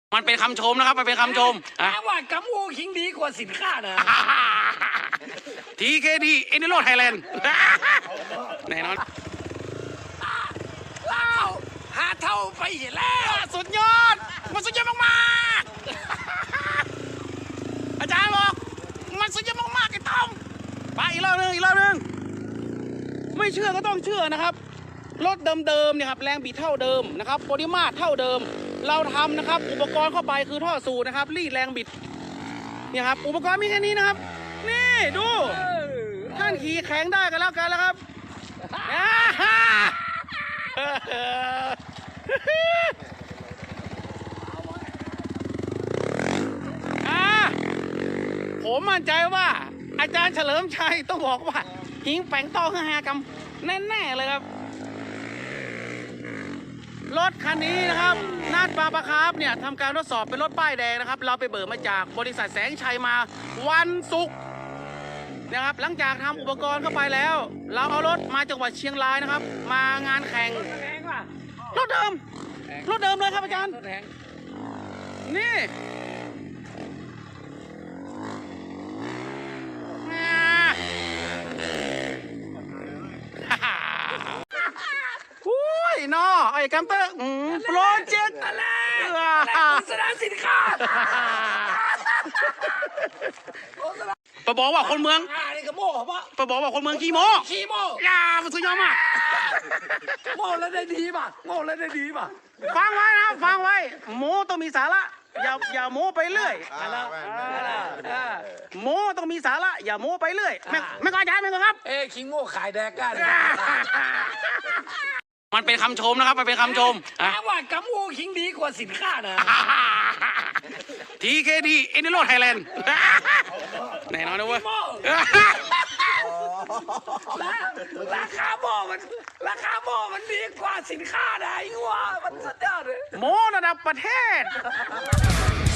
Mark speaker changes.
Speaker 1: มันเป็นคำชมนะครับมันเป็นคำชม
Speaker 2: แปลว่ากำมูคิงดีกว่าสินค้านะ
Speaker 1: TKD เอเนโรไทยแลนด์แน่นอน
Speaker 2: ว้าวหาเท่าไปเห็นแล้ว
Speaker 1: สุดยอดมันสุดยอดมากๆอาจารย์บอกมันสุดยอดมากๆไอ้ต้อมไปอีกรอบนึงไม่เชื่อก็ต้องเชื่อนะครับรถเดิมๆเนี่ยครับแรงบิดเท่าเดิมนะครับปริมาตรเท่าเดิมเราทำนะครับอุปกรณ์เข้าไปคือท่อสูบนะครับรีดแรงบิดเนี่ยครับอุปกรณ์มีแค่นี้นะครับนี่ดูท่านขี่แข็งได้กันแล้วกันแล้วครับผมมั่นใจว่าอาจารย์เฉลิมชัยต้องบอกว่าหิงแป่งต้อง5 กรัมแน่ๆเลยครับรถคันนี้นะครับนาดปาปะครับเนี่ยทำการทดสอบเป็นรถป้ายแดงนะครับเราไปเบิกมาจากบริษัทแสงชัยมาวันศุกร์นะครับหลังจากทำอุปกรณ์เข้าไปแล้วเราเอารถมาจังหวัดเชียงรายนะครับมางานแข่งรถเดิมเลยครับอาจารย์นี่นอไอ้กัมเตอร์โปรเจกต์
Speaker 2: อะไรโฆษณาสินค้า
Speaker 1: ไปบอกว่าคนเมือง
Speaker 2: นี่ก็โม่ปะ
Speaker 1: ไปบอกว่าคนเมืองขี้โม้ยามันสุดยอดมาก
Speaker 2: โม่แล้วได้ดีป่ะโม่แล้วได้ดีป่ะ
Speaker 1: ฟังไว้นะฟังไว้โม้ต้องมีสาระอย่าโม้ไปเรื่อยโม้ต้องมีสาระอย่าโม้ไปเรื่อยไม่ก็อาจารย์ไม่ก็ครับ
Speaker 2: คิงโม่ขายแดกกัน
Speaker 1: มันเป็นคำชมนะครับมันเป็นคำชม
Speaker 2: แปลว่ากำมูคิงดีกว่าสินค้านะ
Speaker 1: TKD เอเนโรไทยแลนด์แน่นอนนะเว้ย
Speaker 2: ราคาหม้อมันดีกว่าสินค้าไหนวะมันสุดยอดเลย
Speaker 1: โม้ระดับประเทศ